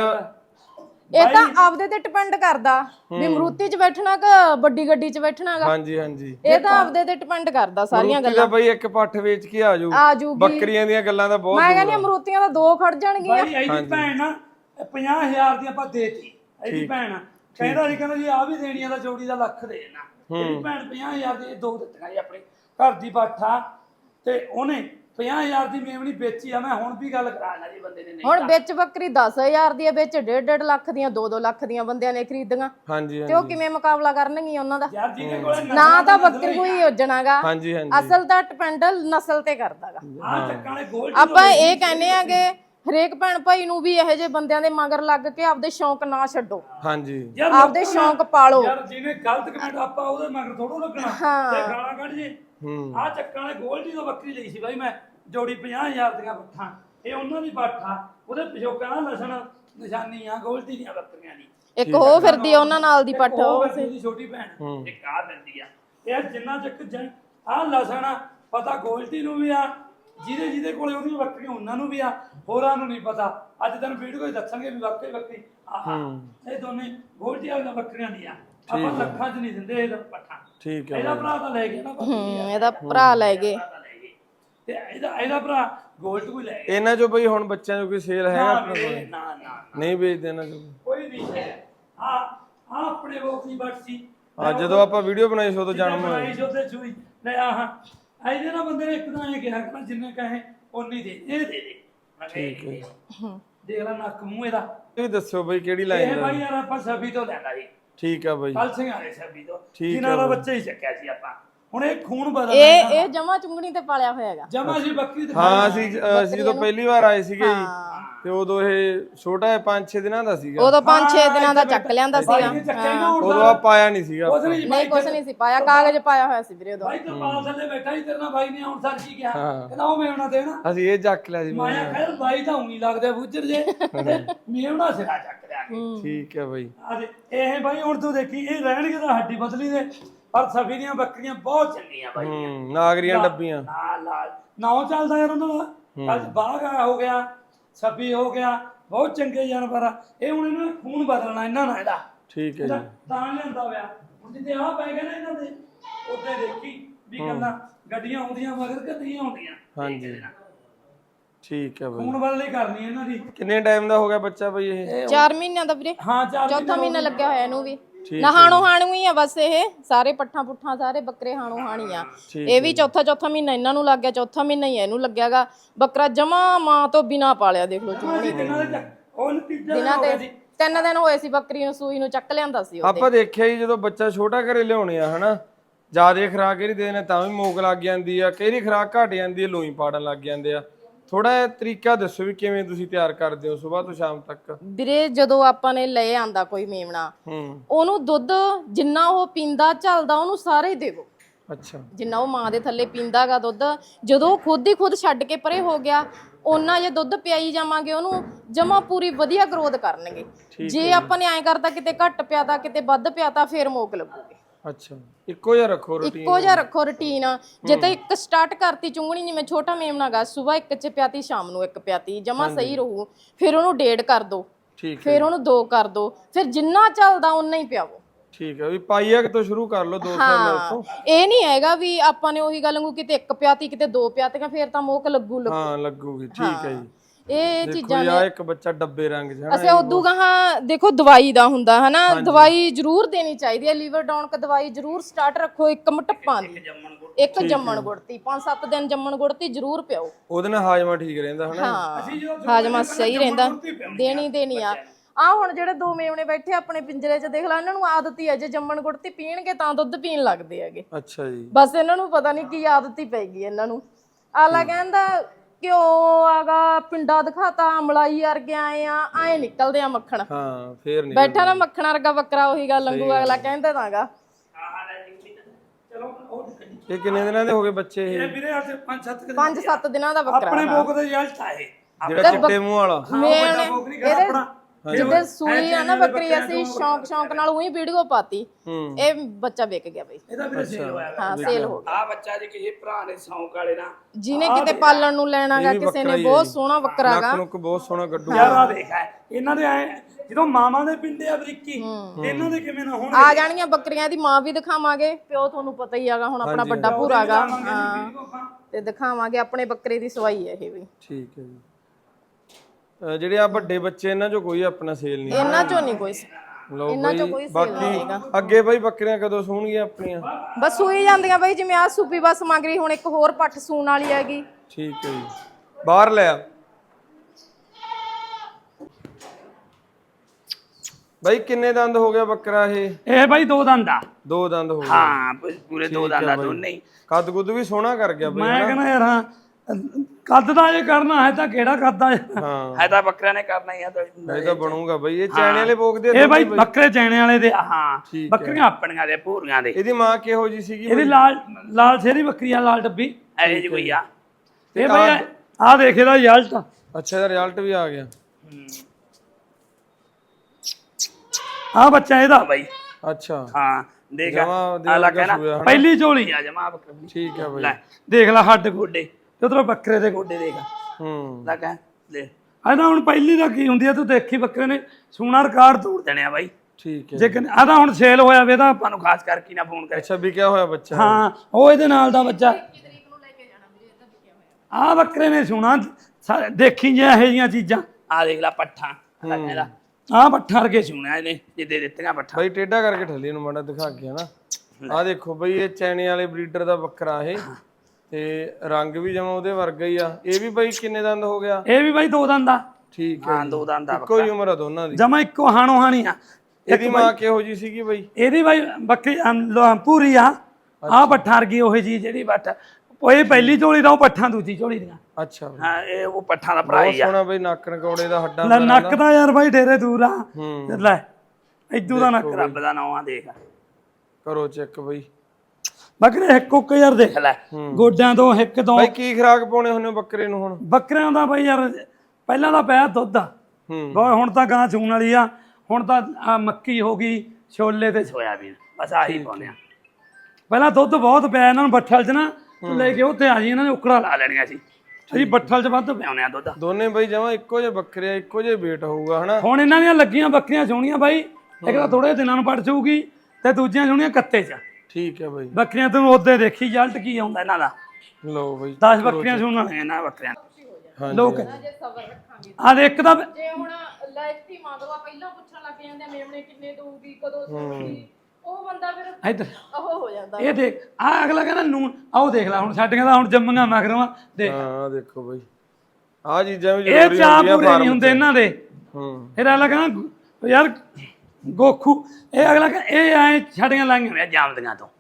Speaker 2: ਇਹ ਤਾਂ ਆਪਦੇ ਤੇ ਡਿਪੈਂਡ ਕਰਦਾ ਵੀ ਮਰੂਤੀ 'ਚ ਬੈਠਣਾ ਕਿ ਵੱਡੀ ਗੱਡੀ 'ਚ ਬੈਠਣਾਗਾ।
Speaker 1: ਹਾਂਜੀ ਹਾਂਜੀ
Speaker 2: ਇਹ ਤਾਂ ਆਪਦੇ ਤੇ ਡਿਪੈਂਡ ਕਰਦਾ ਸਾਰੀਆਂ
Speaker 1: ਮਰੂਤੀ ਦਾ ਬਈ ਇੱਕ ਪੱਠ ਵੇਚ ਕੇ ਆ ਜਾਊ,
Speaker 2: ਆ ਜੂਗੀ।
Speaker 1: ਬੱਕਰੀਆਂ ਦੀਆਂ ਗੱਲਾਂ ਦਾ ਬਹੁਤ
Speaker 2: ਮੈਂ ਕਹਿੰਦੀ ਮਰੂਤੀਆਂ ਦਾ ਦੋ ਖੜ ਜਾਣਗੀਆਂ।
Speaker 3: ਬਾਈ ਇਹਦੀ ਭੈਣ ਨਾ ਪੰਜਾਹ ਹਜ਼ਾਰ ਦੀ ਆਪਾਂ ਦੇਤੀ। ਇਹਦੀ ਭੈਣ ਕਹਿੰਦਾ ਸੀ ਕਹਿੰਦਾ ਜੀ ਆ ਵੀ ਦੇਣੀਆਂ ਦਾ ਜੋੜੀ ਦਾ ਲੱਖ ਦੇ ਦੇਣਾ। ਇਹਦੀ ਭੈਣ ਪੰਜਾਹ ਹਜ਼ਾਰ ਦੀ ਦੋ ਦਿੱਤੀਆਂ ਜੀ ਆਪਣੇ ਘਰ ਦੀ ਬਾਠਾ ਤੇ ਉਹਨੇ ਪੰਜਾਹ ਹਜ਼ਾਰ ਦੀ ਮੇਮਣੀ ਵੇਚੀ ਆ। ਮੈਂ ਹੁਣ ਵੀ ਗੱਲ ਕਰਾਣਾ ਜੀ ਬੰਦੇ ਨੇ ਨਹੀਂ
Speaker 2: ਹੁਣ ਵਿੱਚ ਬੱਕਰੀ ਦਸ ਹਜ਼ਾਰ ਦੀ ਹੈ, ਵਿੱਚ ਡੇਢ ਡੇਢ ਲੱਖ ਦੀਆਂ ਦੋ ਦੋ ਲੱਖ ਦੀਆਂ ਬੰਦਿਆਂ ਨੇ ਖਰੀਦੀਆਂ
Speaker 1: ਹਾਂਜੀ
Speaker 2: ਤੇ ਉਹ ਕਿਵੇਂ ਮੁਕਾਬਲਾ ਕਰਨਗੀਆਂ ਉਹਨਾਂ ਦਾ।
Speaker 3: ਯਾਰ ਜਿਹਦੇ ਕੋਲੇ
Speaker 2: ਨਾ ਤਾਂ ਬੱਕਰੀ ਕੋਈ ਉੱਜਣਾਗਾ,
Speaker 1: ਹਾਂਜੀ ਹਾਂਜੀ
Speaker 2: ਅਸਲ ਤਾਂ ਡਿਪੈਂਡ ਨਸਲ ਤੇ ਕਰਦਾਗਾ।
Speaker 3: ਆ ਚੱਕਾਂ ਵਾਲੇ ਗੋਲ
Speaker 2: ਆਪਾਂ ਇਹ ਕਹਿੰਦੇ ਆਂਗੇ ਹਰੇਕ ਭੈਣ ਭਾਈ ਨੂੰ ਵੀ ਇਹੋ ਜਿਹੇ ਬੰਦਿਆਂ ਦੇ ਮਗਰ ਲੱਗ ਕੇ ਆਪਦੇ ਸ਼ੌਂਕ ਨਾ ਛੱਡੋ,
Speaker 1: ਹਾਂਜੀ
Speaker 2: ਆਪਦੇ ਸ਼ੌਂਕ ਪਾਲੋ।
Speaker 3: ਯਾਰ ਜਿਹਨੇ ਗਲਤ ਕਮੈਂਟ ਆਪਾਂ ਉਹਦੇ ਮਗਰ ਥੋੜੋ ਲੱਗਣਾ ਤੇ ਗਾਲਾਂ ਕੱਢ ਜੇ।
Speaker 1: ਹੂੰ
Speaker 3: ਆ ਚੱਕਾਂ ਵਾਲੇ ਗੋਲਡੀ ਤੋਂ ਬੱਕਰੀ ਲਈ ਸੀ ਬਾਈ ਮੈਂ, ਜੋੜੀ ਪੰਜਾਹ ਹਜ਼ਾਰ ਦੀਆਂ ਬੱਠਾਂ। ਇਹ ਉਹਨਾਂ ਦੀ ਬੱਠਾ, ਉਹਦੇ ਪਿਛੋਕਾ ਨਾ ਲਸਣ ਨਿਸ਼ਾਨੀ ਆ ਗੋਲਡੀ ਦੀਆਂ ਬੱਕਰੀਆਂ ਦੀ।
Speaker 2: ਇੱਕ ਹੋ ਫਿਰਦੀ ਆ ਉਹਨਾਂ ਨਾਲ ਦੀ ਪੱਠ,
Speaker 3: ਉਹ ਵੈਸੇ ਦੀ ਛੋਟੀ ਭੈਣ ਇੱਕ ਆ ਦਿੰਦੀ ਆ। ਇਹ ਜਿੰਨਾ ਚੱਕ ਆ ਲਸਣ ਆ ਪਤਾ ਗੋਲਡੀ ਨੂੰ ਵੀ ਆ, ਜਿਹਦੇ ਜਿਹਦੇ ਕੋਲੇ ਉਹਦੀਆਂ ਬੱਕਰੀਆਂ ਉਹਨਾਂ ਨੂੰ ਵੀ ਆ, ਹੋਰਾਂ ਨੂੰ ਨਹੀਂ ਪਤਾ। ਅੱਜ ਤੈਨੂੰ ਵੀਡੀਓ ਵਿੱਚ ਦੱਸਾਂਗੇ ਵੀ ਵਾਕਈ ਬੱਕਰੀ ਆਹ ਇਹ ਦੋਨੇ ਗੋਲਡੀ ਵਾਲੀਆਂ ਬੱਕਰੀਆਂ ਦੀਆਂ ਆਪਾਂ ਲੱਖਾਂ 'ਚ ਨਹੀਂ ਦਿੰਦੇ ਇਹ ਪੱਠਾ।
Speaker 1: ਠੀਕ ਹੈ।
Speaker 3: ਇਹਦਾ ਭਰਾ ਤਾਂ ਲੈ ਗਿਆ ਨਾ
Speaker 2: ਹੂੰ ਇਹਦਾ ਭਰਾ ਲੈ ਗਏ
Speaker 3: ਤੇ ਇਹਦਾ ਇਹਦਾ ਭਰਾ ਗੋਲਡ ਕੋਈ ਲੈ ਗਿਆ।
Speaker 1: ਇਹਨਾਂ ਚੋਂ ਬਈ ਹੁਣ ਬੱਚਿਆਂ ਚੋਂ ਕੋਈ ਸੇਲ ਹੈ
Speaker 3: ਨਾ
Speaker 1: ਆਪਣੇ ਕੋਲ?
Speaker 3: ਵੀਰੇ, ਨਾ ਨਾ
Speaker 1: ਨਹੀਂ ਵੇਚਦੇ ਇਹਨਾਂ ਚੋਂ
Speaker 3: ਕੋਈ ਨਹੀਂ ਹੈ। ਆ ਆ ਆਪਣੇ ਵੋਕੀ ਬੱਟ ਸੀ
Speaker 1: ਆ ਜਦੋਂ ਆਪਾਂ ਵੀਡੀਓ ਬਣਾਈ ਸੀ ਉਦੋਂ ਜਨਮ ਹੋਇਆ।
Speaker 3: ਬਣਾਈ ਜੋਤੇ ਚੂਈ ਲੈ ਆਹ ਇਹਦੇ ਨਾਲ ਬੰਦੇ ਨੇ ਇੱਕ ਤਾਂ ਇਹ ਕਿਹਾ ਕਿ ਜਿੰਨੇ ਕਹੇ ਉਨੀ ਦੇ ਇਹ ਦੇ ਦੇ। ਠੀਕ ਹੈ। ਦੇਖ ਲੈ ਨੱਕ ਮੂੰਹ ਇਹਦਾ।
Speaker 1: ਇਹ ਦੱਸਿਓ ਬਈ ਕਿਹੜੀ ਲਾਈਨ
Speaker 3: ਇਹ
Speaker 1: ਦਾ?
Speaker 3: ਬਾਈ ਯਾਰ ਆਪਾਂ ਸਭੀ ਤੋਂ ਲੈਂਦਾ ਜੀ।
Speaker 1: ਠੀਕ ਆ ਬਈ।
Speaker 3: ਕੱਲ ਸਿੰਘ ਵਾਲੇ ਸਭੀ ਤੋਂ
Speaker 1: ਠੀਕ
Speaker 3: ਜਿਨ੍ਹਾਂ ਦਾ ਬੱਚਾ ਹੀ ਚੱਕਿਆ ਸੀ ਆਪਾਂ। ਹੁਣ ਇਹ ਖੂਨ ਬਦਲ
Speaker 2: ਇਹ ਇਹ ਜਮਾ ਚੁੰਗਣੀ ਤੇ ਪਾਲਿਆ ਹੋਇਆ ਹੈਗਾ।
Speaker 3: ਜਮਾ ਸੀ ਬੱਕਰੀ ਦਿਖਾ।
Speaker 1: ਹਾਂ ਅਸੀਂ ਅਸੀਂ ਜਦੋਂ ਪਹਿਲੀ ਵਾਰ ਆਏ ਸੀਗੇ ਜੀ ਤੇ ਉਦੋਂ ਇਹ ਛੋਟਾ ਜਿਹਾ ਪੰਜ ਛੇ ਦਿਨਾਂ ਦਾ ਸੀਗਾ।
Speaker 2: ਉਦੋਂ ਪੰਜ ਛੇ ਦਿਨਾਂ ਦਾ ਚੱਕ ਲਿਆਂਦਾ ਸੀਗਾ।
Speaker 1: ਉਦੋਂ ਆ ਪਾਇਆ ਨਹੀਂ ਸੀਗਾ।
Speaker 2: ਨਹੀਂ ਕੁਛ ਨਹੀਂ ਸੀ ਪਾਇਆ, ਕਾਗਜ਼ ਪਾਇਆ ਹੋਇਆ ਸੀ ਵੀਰੇ ਉਦੋਂ।
Speaker 3: ਬਾਈ ਤਰਪਾਲ ਥੱਲੇ ਬੈਠਾ ਹੀ ਤੇਰੇ ਨਾਲ ਬਾਈ ਨੇ ਹੁਣ ਸਰ ਕੀ ਕਿਹਾ ਕਹਿੰਦਾ ਉਹ ਮੇਵਣਾ ਦੇਣਾ।
Speaker 1: ਅਸੀਂ ਇਹ ਚੱਕ ਲਿਆ ਸੀ।
Speaker 3: ਮਾਇਆ ਕਹਿੰਦਾ ਬਾਈ ਤਾਂ ਉਨੀ ਲੱਗਦਾ ਬੁੱਝਰ ਜੇ ਮੇਵਣਾ ਸਿਰਾ ਚੱਕ ਲਿਆ।
Speaker 1: ਠੀਕ ਹੈ ਬਾਈ।
Speaker 3: ਆ ਦੇ ਇਹ ਬਾਈ ਹੁਣ ਤੂੰ ਦੇਖੀ ਇਹ ਰਹਿਣਗੇ ਤਾਂ ਹੱਡੀ ਬਦਲੀ ਦੇ, ਪਰ ਸਫੀ ਦੀਆਂ ਬੱਕਰੀਆਂ ਬਹੁਤ ਚੰਗੀਆਂ ਬਾਈ।
Speaker 1: ਹੂੰ ਨਾਗਰੀਆਂ ਡੱਬੀਆਂ
Speaker 3: ਲਾਲ ਲਾਲ ਨਾਉ ਚੱਲਦਾ ਯਾਰ ਉਹਨਾਂ ਦਾ। ਅੱਜ ਬਾਗਾ ਹੋ ਗਿਆ, ਸਫੀ ਹੋ ਗਿਆ, ਬਹੁਤ ਚੰਗੇ ਜਾਨਵਰ ਆ ਇਹ। ਹੁਣ ਇਹਨਾਂ ਨੇ ਖੂਨ ਬਦਲਣਾ ਇਹਨਾਂ ਨਾਲ ਇਹਦਾ।
Speaker 1: ਠੀਕ ਹੈ ਜੀ।
Speaker 3: ਤਾਂ ਲਿਆਂਦਾ ਹੋਇਆ ਹੁਣ ਜਿੱਦੇ ਆ ਪੈ ਗਏ ਨਾ ਇਹਨਾਂ ਦੇ ਉੱਤੇ ਦੇਖੀ ਵੀ ਗੱਲਾਂ ਗੱਡੀਆਂ ਆਉਂਦੀਆਂ ਮਗਰ ਕਿ ਨਹੀਂ ਆਉਂਦੀਆਂ।
Speaker 1: ਹਾਂਜੀ ਠੀਕ ਹੈ ਬਾਈ।
Speaker 3: ਖੂਨ ਬਦਲੀ ਕਰਨੀ ਇਹਨਾਂ ਦੀ।
Speaker 1: ਕਿੰਨੇ ਟਾਈਮ ਦਾ ਹੋ ਗਿਆ ਬੱਚਾ ਬਈ ਇਹ?
Speaker 2: ਚਾਰ ਮਹੀਨਿਆਂ ਦਾ ਵੀਰੇ,
Speaker 3: ਹਾਂ ਚਾਰ
Speaker 2: ਚੌਥਾ ਮਹੀਨਾ ਲੱਗਿਆ ਹੋਇਆ ਇਹਨੂੰ ਵੀ। ਨਹਾਣੋ ਹਾਣੂ ਹੀ ਆ ਬਸ, ਇਹ ਸਾਰੇ ਪੱਠਾਂ ਪੁੱਠਾਂ ਸਾਰੇ ਬੱਕਰੇ ਹਾਣੋ ਹਾਣੀ ਆ। ਇਹ ਵੀ ਚੌਥਾ ਚੌਥਾ ਮਹੀਨਾ ਇਹਨਾਂ ਨੂੰ ਲੱਗ ਗਿਆ, ਚੌਥਾ ਮਹੀਨਾ ਹੀ ਇਹਨੂੰ ਲੱਗਿਆਗਾ। ਬੱਕਰਾ ਜਮਾ ਮਾਂ ਤੋਂ ਬਿਨਾ ਪਾਲਿਆ ਦੇਖ ਲਓ ਚੁੰਮਣੀ ਤੇ।
Speaker 3: ਉਹ ਨਤੀਜਾ
Speaker 2: ਦਿਨਾਂ ਤੇ ਤਿੰਨ ਦਿਨ ਹੋਏ ਸੀ ਬੱਕਰੀ ਨੂੰ ਸੂਈ ਨੂੰ, ਚੱਕ ਲਿਆਂਦਾ ਸੀ ਉਹਦੇ।
Speaker 1: ਆਪਾਂ ਦੇਖਿਆ ਜੀ ਜਦੋਂ ਬੱਚਾ ਛੋਟਾ ਘਰੇ ਲਿਆਉਣੇ ਆ ਹਨਾ, ਜਿਆਦਾ ਖੁਰਾਕ ਇਹਦੀ ਦੇਣੇ ਤਾਂ ਵੀ ਮੋਕ ਲੱਗ ਜਾਂਦੀ ਆ, ਕਈ ਦੀ ਖੁਰਾਕ ਘਟ ਜਾਂਦੀ ਹੈ, ਲੋਈ ਪਾੜਨ ਲੱਗ ਜਾਂਦੇ ਆ। ਥੋੜਾ ਜਿਹਾ ਤਰੀਕਾ ਦੱਸੋ ਵੀ ਕਿਵੇਂ ਤੁਸੀਂ ਤਿਆਰ ਕਰਦੇ ਹੋ ਸਵੇਰ ਤੋਂ ਸ਼ਾਮ ਤੱਕ?
Speaker 2: ਵੀਰੇ ਜਦੋਂ ਆਪਾਂ ਨੇ ਲੈ ਆਂਦਾ ਕੋਈ ਮੇਮਣਾ,
Speaker 1: ਹੂੰ
Speaker 2: ਉਹਨੂੰ ਦੁੱਧ ਜਿੰਨਾ ਉਹ ਪੀਂਦਾ ਝਲਦਾ ਉਹਨੂੰ ਸਾਰੇ ਹੀ ਦੇਵੋ।
Speaker 1: ਅੱਛਾ।
Speaker 2: ਜਿੰਨਾ ਉਹ ਮਾਂ ਦੇ ਥੱਲੇ ਪੀਂਦਾਗਾ ਦੁੱਧ, ਜਦੋਂ ਖੁਦ ਹੀ ਖੁਦ ਛੱਡ ਕੇ ਪਰੇ ਹੋ ਗਿਆ ਉਹਨਾਂ ਜੇ ਦੁੱਧ ਪਿਆਈ ਜਾਵਾਂਗੇ ਉਹਨੂੰ ਜਮਾ ਪੂਰੀ ਵਧੀਆ ਗਰੋਥ ਕਰਨਗੇ। ਜੇ ਆਪਾਂ ਨੇ ਐਂ ਕਰਤਾ ਕਿਤੇ ਘੱਟ ਪਿਆਤਾ ਕਿਤੇ ਵੱਧ ਪਿਆਤਾ ਫੇਰ ਮੋਕ ਲੱਗੂਗੀ।
Speaker 1: ਅੱਛਾ ਇੱਕੋ ਜਿਹਾ ਰੱਖੋ ਰੂਟੀਨ।
Speaker 2: ਇੱਕੋ ਜਿਹਾ ਰੱਖੋ ਰੁਟੀਨ। ਜੇ ਤਾਂ ਇੱਕ ਸਟਾਰਟ ਕਰਤੀ ਚੁੰਗਣੀ, ਜਿਵੇਂ ਛੋਟਾ ਮੇਮਨਾਗਾ ਸਵੇਰ ਇੱਕ ਚ ਪਿਆਤੀ ਸ਼ਾਮ ਨੂੰ ਇੱਕ ਪਿਆਤੀ, ਜਮਾ ਸਹੀ ਰਹੂ। ਫਿਰ ਉਹਨੂੰ ਡੇਢ ਕਰ ਦੋ,
Speaker 1: ਠੀਕ
Speaker 2: ਫਿਰ ਉਹਨੂੰ ਦੋ ਕਰ ਦੋ, ਫਿਰ ਜਿੰਨਾ ਚੱਲਦਾ ਉਨਾ ਹੀ ਪਿਆਵੋ।
Speaker 1: ਠੀਕ ਹੈ ਵੀ ਪਾਈਆ ਤੋਂ ਸ਼ੁਰੂ ਕਰ ਲਓ, ਦੋ ਸਾਲ ਤੋਂ।
Speaker 2: ਇਹ ਨਹੀਂ ਹੈਗਾ ਵੀ ਆਪਾਂ ਨੇ ਉਹੀ ਗੱਲ ਨੂੰ ਕਿਤੇ ਇੱਕ ਪਿਆਤੀ ਕਿਤੇ ਦੋ ਪਿਆਤੀਆਂ ਫੇਰ ਤਾਂ ਮੋਕ ਲੱਗੂ ਲੱਗੂ।
Speaker 1: ਹਾਂ ਲੱਗੂਗੀ। ਠੀਕ ਹੈ ਜੀ।
Speaker 2: ਇਹ ਚੀਜ਼ਾਂ
Speaker 1: ਨੇ ਇੱਕ ਬੱਚਾ ਡੱਬੇ ਰੰਗ ਚ
Speaker 2: ਅਸੀਂ ਉਦੋਂ ਗਾਹਾਂ ਦੇਖੋ ਦਵਾਈ ਦਾ ਹੁੰਦਾ ਹਨਾ, ਦਵਾਈ ਜ਼ਰੂਰ ਦੇਣੀ ਚਾਹੀਦੀ ਹੈ। ਲੀਵਰ ਡਾਊਨ ਕ ਦਵਾਈ ਜ਼ਰੂਰ ਸਟਾਰਟ ਰੱਖੋ, ਇੱਕ ਮਟੱਪਾਂ ਦੀ, ਇੱਕ ਜੰਮਣ ਗੁੜਤੀ, ਪੰਜ ਸੱਤ ਦਿਨ ਜੰਮਣ ਗੁੜਤੀ ਜ਼ਰੂਰ ਪਿਓ।
Speaker 1: ਉਹਦੇ ਨਾਲ ਹਾਜ਼ਮਾ ਠੀਕ ਰਹਿੰਦਾ ਹਨਾ।
Speaker 2: ਹਾਂ ਹਾਜ਼ਮਾ ਸਹੀ ਰਹਿੰਦਾ, ਦੇਣੀ ਦੇਣੀ ਆ। ਆ ਹੁਣ ਜਿਹੜੇ ਦੋ ਮੇਮਣੇ ਬੈਠੇ ਆਪਣੇ ਪਿੰਜਰੇ 'ਚ ਦੇਖ ਲਾ, ਇਹਨਾਂ ਨੂੰ ਆਦਤ ਹੀ ਹੈ ਜੇ ਜੰਮਣ ਗੁੜਤੀ ਪੀਣਗੇ ਤਾਂ ਦੁੱਧ ਪੀਣ ਲੱਗਦੇ ਹੈਗੇ।
Speaker 1: ਅੱਛਾ ਜੀ।
Speaker 2: ਬਸ ਇਹਨਾਂ ਨੂੰ ਪਤਾ ਨਹੀਂ ਕੀ ਆਦਤ ਹੀ ਪੈ ਗਈ ਇਹਨਾਂ ਨੂੰ। ਆਲਾ ਕਹਿੰਦਾ ਕਿਉਂ ਆਗਾ ਪਿੰਡਾ ਦਿਖਾਤਾ ਮਲਾਈ ਵਰਗੇ ਆਏ ਆ, ਐ ਨਿਕਲਦੇ ਆ ਮੱਖਣ।
Speaker 1: ਹਾਂ ਫੇਰ ਨਹੀਂ
Speaker 2: ਬੈਠਾ ਨਾ ਮੱਖਣ ਵਰਗਾ ਬੱਕਰਾ, ਉਹੀ ਗੱਲ ਲੰਗੂ ਅਗਲਾ ਕਹਿੰਦਾ ਤਾਂਗਾ।
Speaker 3: ਚਲੋ ਉਹ
Speaker 1: ਇਹ ਕਿੰਨੇ ਦਿਨਾਂ ਦੇ ਹੋ ਗਏ ਬੱਚੇ ਇਹ?
Speaker 3: ਇਹ ਵੀਰੇ ਅੱਜ ਪੰਜ ਸੱਤ ਦਿਨ
Speaker 2: ਪੰਜ ਸੱਤ ਦਿਨਾਂ ਦਾ ਬੱਕਰਾ
Speaker 3: ਆਪਣੇ ਬੋਕ ਦਾ ਰਿਜ਼ਲਟ ਆ ਇਹ
Speaker 1: ਜਿਹੜਾ ਚਿੱਟੇ ਮੂੰਹ ਵਾਲਾ
Speaker 2: ਮੇਨ
Speaker 3: ਬੋਕ ਨਹੀਂ ਕਰਦਾ ਆਪਣਾ
Speaker 2: ਜਿੱਦੇ ਸੂਈ ਆ ਨਾ ਬੱਕਰੀ ਅਸੀਂ ਸ਼ੌਂਕ ਸ਼ੌਂਕ ਨਾਲ ਉਹੀ ਵੀਡੀਓ ਪਾਤੀ ਇਹ ਬੱਚਾ ਵਿਕ ਗਿਆ ਬਈ
Speaker 3: ਇਹਦਾ ਵੀਰੇ ਸੇਲ ਹੋਇਆ
Speaker 2: ਹਾਂ ਸੇਲ ਹੋ ਗਿਆ
Speaker 3: ਆ ਬੱਚਾ ਜੇ ਕਿਸੇ ਭਰਾ ਨੇ ਸੌਂਕ ਵਾਲੇ ਨਾ
Speaker 2: ਜਿਹਨੇ ਕਿਤੇ ਪਾਲਣ ਨੂੰ ਲੈਣਾਗਾ ਕਿਸੇ ਨੇ ਬਹੁਤ ਸੋਹਣਾ ਬੱਕਰਾ ਗਾ
Speaker 1: ਨੱਕ ਬਹੁਤ ਸੋਹਣਾ ਗੱਡੂ
Speaker 3: ਯਾਰ ਆ ਦੇਖ ਐ ਇਹਨਾਂ ਦੇ ਐ ਜਦੋਂ ਮਾਮਾ ਦੇ ਪਿੰਡੇ ਆ ਬਰੀਕੀ ਇਹਨਾਂ ਦੇ ਕਿਵੇਂ ਨਾ ਹੋਣ
Speaker 2: ਆ ਜਾਣਗੀਆਂ ਬੱਕਰੀਆਂ ਦੀ ਮਾਂ ਵੀ ਦਿਖਾਵਾਂਗੇ ਪਿਓ ਤੁਹਾਨੂੰ ਪਤਾ ਹੀ ਹੈਗਾ ਹੁਣ ਆਪਣਾ ਵੱਡਾ ਭੂਰਾ ਗਾ ਹਾਂ ਤੇ ਦਿਖਾਵਾਂਗੇ ਆਪਣੇ ਬੱਕਰੇ ਦੀ ਸਵਾਈ ਹੈ ਇਹ ਵੀ
Speaker 1: ਠੀਕ ਹੈ ਜੀ ਅਹ ਜਿਹੜੇ ਆ ਵੱਡੇ ਬੱਚੇ ਇਹਨਾਂ ਚੋਂ ਕੋਈ ਆਪਣਾ ਸੇਲ ਨਹੀਂ
Speaker 2: ਇਹਨਾਂ ਚੋਂ ਨਹੀਂ ਕੋਈ
Speaker 1: ਲਓ
Speaker 2: ਇਹਨਾਂ ਚੋਂ
Speaker 1: ਬਈ
Speaker 2: ਕੋਈ ਸੇਲ ਨਹੀਂ ਹੈਗਾ
Speaker 1: ਬਾਕੀ ਅੱਗੇ ਬਈ ਬੱਕਰੀਆਂ ਕਦੋਂ ਸੂਣਗੀਆਂ ਆਪਣੀਆਂ?
Speaker 2: ਬਸ ਸੂਈ ਜਾਂਦੀਆਂ ਬਾਈ ਜਿਵੇਂ ਆ ਸੂਪੀ ਬਸ ਮੰਗ ਰਹੀ ਹੁਣ ਇੱਕ ਹੋਰ ਪੱਠ ਸੂਣ ਵਾਲੀ ਹੈਗੀ
Speaker 1: ਠੀਕ ਹੈ ਜੀ ਬਾਹਰ ਲੈ ਆ ਬਈ ਕਿੰਨੇ ਦੰਦ ਹੋ ਗਿਆ ਬੱਕਰਾ ਇਹ?
Speaker 3: ਇਹ ਬਾਈ ਦੋ ਦੰਦ ਆ
Speaker 1: ਦੋ ਦੰਦ ਹੋ ਗਏ
Speaker 3: ਹਾਂ ਪੂਰੇ ਦੋ ਦੰਦ ਆ ਦੋਨੇ ਹੀ
Speaker 1: ਕੱਦ ਕੁੱਦ ਵੀ ਸੋਹਣਾ ਕਰ ਗਿਆ ਬਈ
Speaker 3: ਮੈਂ ਕਹਿੰਦਾ ਯਾਰ ਹਾਂ ਕੱਦ ਦਾ ਜੇ ਕਰਨਾ ਹੈ ਤਾਂ ਕਿਹੜਾ ਕੱਦ ਆ
Speaker 1: ਹਾਂ
Speaker 3: ਹੈ ਤਾਂ ਬੱਕਰਿਆਂ ਨੇ ਕਰਨਾ ਹੀ ਆ
Speaker 1: ਇਹ ਤਾਂ ਬਣੂਗਾ ਬਈ ਇਹ ਚੈਣੇ ਵਾਲੇ ਬੋਕ ਦੇ
Speaker 3: ਇਹ ਬਾਈ ਬੱਕਰੇ ਚੈਣੇ ਵਾਲੇ ਦੇ ਹਾਂ
Speaker 1: ਠੀਕ ਹੈ।
Speaker 3: ਬੱਕਰੀਆਂ ਆਪਣੀਆਂ ਦੇ ਭੂਰੀਆਂ ਦੇ
Speaker 1: ਇਹਦੀ ਮਾਂ ਕਿਹੋ ਜੀ ਸੀਗੀ
Speaker 3: ਇਹਦੀ ਲਾਲ ਲਾਲ ਸ਼ੇਰੀ ਬੱਕਰੀ ਆ ਲਾਲ ਡੱਬੀ ਐ ਜੀ ਕੋਈ ਆ ਇਹ ਬਾਈ ਆ ਦੇਖ ਇਹਦਾ ਰਿਜ਼ਲਟ
Speaker 1: ਅੱਛਾ ਇਹਦਾ ਰਿਜ਼ਲਟ ਵੀ ਆ ਗਿਆ
Speaker 3: ਆ ਬੱਚਾ ਇਹਦਾ ਬਾਈ
Speaker 1: ਅੱਛਾ
Speaker 3: ਹਾਂ ਦੇਖ
Speaker 1: ਜਮਾਂ ਦੇ
Speaker 3: ਆ ਲਾ ਕੇ ਨਾ
Speaker 1: ਸੂਆ ਹਨਾ।
Speaker 3: ਪਹਿਲੀ ਝੋਲੀ ਆ ਜਮਾ ਬੱਕਰੀ
Speaker 1: ਠੀਕ ਹੈ ਬਈ
Speaker 3: ਲੈ ਦੇਖ ਲੈ ਹੱਡ ਗੋਡੇ ਤੇ ਉਧਰੋਂ ਬੱਕਰੇ ਦੇ ਗੋਡੇ ਦੇਖ
Speaker 1: ਹੂੰ
Speaker 3: ਲੈ ਕਹਿ ਲੈ ਇਹਦਾ ਹੁਣ ਪਹਿਲੀ ਦਾ ਕੀ ਹੁੰਦੀ ਆ ਤੂੰ ਦੇਖੀ ਬੱਕਰੇ ਨੇ ਸੋਨਾ ਰਿਕਾਰਡ ਤੋੜ ਦੇਣੇ ਆ ਬਾਈ
Speaker 1: ਠੀਕ ਹੈ
Speaker 3: ਜੇ ਆਦਾ ਹੁਣ ਸੇਲ ਹੋਇਆ ਵੇ ਤਾਂ ਆਪਾਂ ਨੂੰ ਖਾਸ ਕਰਕੇ ਨਾ ਫੋਨ ਕਰੇ
Speaker 1: ਅੱਛਾ ਵੀ ਕਿਆ ਹੋਇਆ ਬੱਚਾ
Speaker 3: ਹਾਂ ਉਹ ਇਹਦੇ ਨਾਲ ਦਾ ਬੱਚਾ ਆ ਬੱਕਰੇ ਨੇ ਸੋਨਾ ਦੇਖੀ ਜੇ ਇਹੋ ਜੀਆਂ ਚੀਜ਼ਾਂ ਆ ਦੇਖ ਲੈ ਪੱਠਾ ਇਹਦਾ ਆ ਪੱਠਾ ਵਰਗੇ ਸੁਣਿਆ ਇਹਨੇ ਜਿੱਦੇ ਦਿੱਤੀਆਂ ਪੱਠਾ
Speaker 1: ਬਈ ਟੇਢਾ ਕਰਕੇ ਠੱਲੀ ਨੂੰ ਮਾੜਾ ਦਿਖਾ ਕੇ ਹਨਾ ਆ ਦੇਖੋ ਬਈ ਇਹ ਚੈਨੇ ਵਾਲੇ ਬਰੀਡਰ ਦਾ ਬੱਕਰਾ ਇਹ ਤੇ ਰੰਗ ਵੀ ਜਮਾ ਉਹਦੇ ਵਰਗਾ ਹੀ ਆ ਇਹ ਵੀ ਬਈ ਕਿੰਨੇ ਦੰਦ ਹੋ ਗਿਆ?
Speaker 3: ਇਹ ਵੀ ਬਾਈ ਦੋ ਦੰਦ ਆ
Speaker 1: ਠੀਕ ਹੈ
Speaker 3: ਹਾਂ ਦੋ ਦੰਦ ਆ
Speaker 1: ਇੱਕੋ ਹੀ ਉਮਰ ਆ ਦੋਨਾਂ ਦੀ
Speaker 3: ਜਮਾ ਇੱਕੋ ਹਾਣੋ ਹਾਣੀ ਆ
Speaker 1: ਇਹਦੀ ਮਾਂ ਕਿਹੋ ਜੀ ਸੀਗੀ ਬਈ?
Speaker 3: ਇਹਦੀ ਬਾਈ ਬੱਕਰੀ ਪੂਰੀ ਆ ਆ ਪੱਠਾ ਵਰਗੀ ਉਹ ਜੀ ਜਿਹੜੀ ਬੱਠ ਉਹ ਇਹ ਪਹਿਲੀ ਝੋਲੀ ਦਾ ਉਹ ਪੱਠਾਂ ਦੂਜੀ ਝੋਲੀ ਦੀਆਂ
Speaker 1: ਅੱਛਾ ਬਈ
Speaker 3: ਹਾਂ ਇਹ ਉਹ ਪੱਠਾਂ ਦਾ ਭਰਾ
Speaker 1: ਬਹੁਤ
Speaker 3: ਹੀ ਆ
Speaker 1: ਸੋਹਣਾ ਬਈ ਨੱਕ ਨਕੌੜੇ ਦਾ ਹੱਡਾ
Speaker 3: ਲੈ ਨੱਕ ਦਾ ਯਾਰ ਬਾਈ ਢੇਰੇ ਦੂਰ ਆ
Speaker 1: ਹੂੰ
Speaker 3: ਲੈ ਇਦੂ ਦਾ ਨੱਕ ਰੱਬ ਦਾ ਨਾਮ ਆ ਦੇਖ
Speaker 1: ਕਰੋ ਚੈੱਕ ਬਈ
Speaker 3: ਬੱਕਰੇ ਇੱਕ ਉੱਕ ਯਾਰ ਦੇਖ ਲੈ ਗੋਡਿਆਂ ਤੋਂ ਇੱਕ ਤੋਂ
Speaker 1: ਬਈ ਕੀ ਖਰਾਕ ਪਾਉਣੇ ਹੁੰਨੇ ਬੱਕਰੇ ਨੂੰ ਹੁਣ?
Speaker 3: ਬੱਕਰਿਆਂ ਦਾ ਬਾਈ ਯਾਰ ਪਹਿਲਾਂ ਤਾਂ ਪਿਆ ਦੁੱਧ ਆ
Speaker 1: ਹੂੰ
Speaker 3: ਬਹੁਤ ਹੁਣ ਤਾਂ ਗਾਂ ਚੂਣ ਵਾਲੀ ਆ ਹੁਣ ਤਾਂ ਆਹ ਮੱਕੀ ਹੋ ਗਈ ਛੋਲੇ ਤੇ ਸੋਇਆਬੀਨ ਬਸ ਆਹੀ ਪਾਉਂਦੇ ਆ ਪਹਿਲਾਂ ਦੁੱਧ ਬਹੁਤ ਪਿਆ ਇਹਨਾਂ ਨੂੰ ਬੱਠਲ 'ਚ ਨਾ ਤੂੰ ਲੈ ਕੇ ਉੱਥੇ ਆ ਜੀ ਇਹਨਾਂ ਨੇ ਉਕੜਾ ਲਾ ਲੈਣੀਆਂ ਸੀ ਅਸੀਂ ਬੱਠਲ 'ਚ ਵੱਧ ਪਿਆਉਂਦੇ ਆ ਦੁੱਧ
Speaker 1: ਦੋਨੇ ਬਈ ਜਮਾ ਇੱਕੋ ਜਿਹੇ ਬੱਕਰੇ ਆ ਇੱਕੋ ਜਿਹੇ ਵੇਟ ਹੋਊਗਾ ਹਨਾ
Speaker 3: ਹੁਣ ਇਹਨਾਂ ਦੀਆਂ ਲੱਗੀਆਂ ਬੱਕਰੀਆਂ ਸੋਹਣੀਆਂ ਬਾਈ ਇੱਕ ਤਾਂ ਥੋੜੇ ਦਿਨਾਂ ਨੂੰ ਪੜ ਜਾਊਗੀ ਤੇ ਦੂਜੀਆਂ ਸੋਹਣੀਆਂ ਕੱਤੇ 'ਚ
Speaker 1: ਠੀਕ ਹੈ ਬਈ
Speaker 3: ਬੱਕਰੀਆਂ ਤੂੰ ਉਹਦੇ ਦੇਖੀ ਰਿਜ਼ਲਟ ਕੀ ਆਉਂਦਾ ਇਹਨਾਂ ਦਾ
Speaker 1: ਲਓ ਬਈ
Speaker 3: ਦਸ ਬੱਕਰੀਆਂ ਸੋਹਣੀਆਂ ਨੇ ਇਹਨਾਂ ਬੱਕਰੀਆਂ
Speaker 1: ਹਾਂਜੀ
Speaker 3: ਲੋਕ
Speaker 2: ਜੇ ਸਬਰ ਰੱਖਾਂਗੇ
Speaker 3: ਆ ਇੱਕ ਤਾਂ
Speaker 2: ਜੇ ਹੁਣ ਲਾਈਫ ਦੀ ਮੰਗਵਾ ਪਹਿਲਾਂ ਪੁੱਛਣ ਲੱਗ ਜਾਂਦੇ ਆ ਮੇਮਣੇ ਕਿੰਨੇ ਦਊਗੀ ਕਦੋਂ ਸੂਗੀ ਉਹ ਬੰਦਾ ਫਿਰ
Speaker 3: ਇੱਧਰ
Speaker 2: ਉਹ ਹੋ ਜਾਂਦਾ
Speaker 3: ਇਹ ਦੇਖ ਆ ਅਗਲਾ ਕਹਿੰਦਾ ਨੂਨ ਆਓ ਦੇਖ ਲੈ ਹੁਣ ਸਾਡੀਆਂ ਤਾਂ ਹੁਣ ਜੰਮੀਆਂ ਮਗਰਵਾਂ ਦੇਖ
Speaker 1: ਹਾਂ ਦੇਖੋ ਬਈ ਆ ਚੀਜ਼ਾਂ ਵੀ
Speaker 3: ਇਹ
Speaker 1: ਜ਼ਰੂਰੀ
Speaker 3: ਚਾਹ
Speaker 1: ਹੁੰਦੀਆਂ
Speaker 3: ਪੂਰੇ ਨਹੀਂ ਹੁੰਦੇ ਇਹਨਾਂ ਦੇ
Speaker 1: ਹੂੰ
Speaker 3: ਫਿਰ ਅਗਲਾ ਕਹਿੰਦਾ ਯਾਰ ਗੋਖੂ ਇਹ ਅਗਲਾ ਕਹਿੰਦਾ ਇਹ ਐ ਛੜੀਆਂ ਲਾਈਆਂ ਹੋਈਆਂ ਜਾਮਦੀਆਂ ਤੋਂ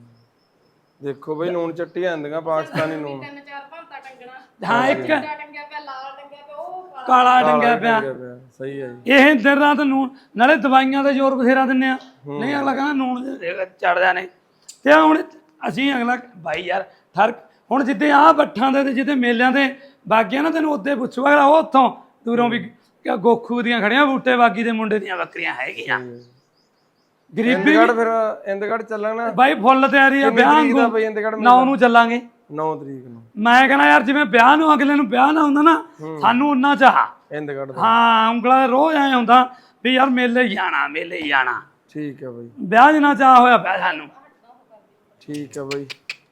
Speaker 1: ਦੇਖੋ ਬਈ ਨੂਨ ਚੱਟੀ ਜਾਂਦੀਆਂ ਪਾਕਿਸਤਾਨੀ ਨੂਨ
Speaker 2: ਤਿੰਨ ਚਾਰ ਭਾਂਤਾ ਟੰਗਣਾ
Speaker 3: ਹਾਂ ਇੱਕ
Speaker 2: ਟੰਗਿਆ ਪਿਆ ਲਾਲ ਟੰਗਿਆ ਪਿਆ ਉਹ
Speaker 3: ਕਾਲਾ ਡੰਗਿਆ ਪਿਆ
Speaker 1: ਸਹੀ ਹੈ ਜੀ
Speaker 3: ਇਹ ਦਿਨ ਰਾਤ ਨੂਨ ਨਾਲੇ ਦਵਾਈਆਂ ਦੇ ਜ਼ੋਰ ਬਥੇਰਾ ਦਿੰਨੇ ਆ ਨਹੀਂ ਅਗਲਾ ਕਹਿੰਦਾ ਨੂਨ ਚੜਦਾ ਨੇ ਤੇ ਹੁਣ ਅਸੀਂ ਅਗਲਾ ਭਾਈ ਯਾਰ ਫਰਕ ਹੁਣ ਜਿੱਦੇ ਆਹ ਬੱਠਾਂ ਦੇ ਤੇ ਜਿੱਦੇ ਮੇਲਿਆਂ ਦੇ ਬਾਗੀਆਂ ਨਾ ਤੈਨੂੰ ਉੱਦੇ ਪੁੱਛੂਗਾ ਅਗਲਾ ਉਹ ਉੱਥੋਂ ਦੂਰੋਂ ਵੀ ਗੋਖੂ ਦੀਆਂ ਖੜੀਆਂ ਬੂਟੇ ਬਾਗੀ ਦੇ ਮੁੰਡੇ ਦੀਆਂ ਬੱਕਰੀਆਂ ਹੈਗੀਆਂ ਗਰੀਬੀ
Speaker 1: ਇੰਦਗੜ ਫਿਰ ਇੰਦਗੜ ਚੱਲਣਾ
Speaker 3: ਬਾਈ ਫੁੱਲ ਤਿਆਰੀ ਆ ਵਿਆਹ
Speaker 1: ਤਰੀਕ ਦਾ
Speaker 3: ਨੂੰ
Speaker 1: ਬਈ ਇੰਦਗੜ
Speaker 3: ਨੌ ਨੂੰ ਚੱਲਾਂਗੇ
Speaker 1: ਨੌ ਤਰੀਕ ਨੂੰ
Speaker 3: ਮੈਂ ਕਹਿੰਦਾ ਯਾਰ ਜਿਵੇਂ ਵਿਆਹ ਨੂੰ ਅਗਲੇ ਨੂੰ ਵਿਆਹ ਨਾ ਹੁੰਦਾ ਨਾ ਸਾਨੂੰ ਉਨਾ ਚਾਹ
Speaker 1: ਇੰਦਗੜ ਦਾ
Speaker 3: ਹਾਂ ਉਂਗਲਾਂ ਦੇ ਰੋਜ਼ ਐ ਹੁੰਦਾ ਵੀ ਯਾਰ ਮੇਲੇ ਹੀ ਜਾਣਾ ਮੇਲੇ ਹੀ ਜਾਣਾ
Speaker 1: ਠੀਕ ਹੈ ਬਈ
Speaker 3: ਵਿਆਹ ਜਿੰਨਾ ਚਾਹ ਹੋਇਆ ਪਿਆ ਸਾਨੂੰ
Speaker 1: ਠੀਕ ਹੈ ਬਈ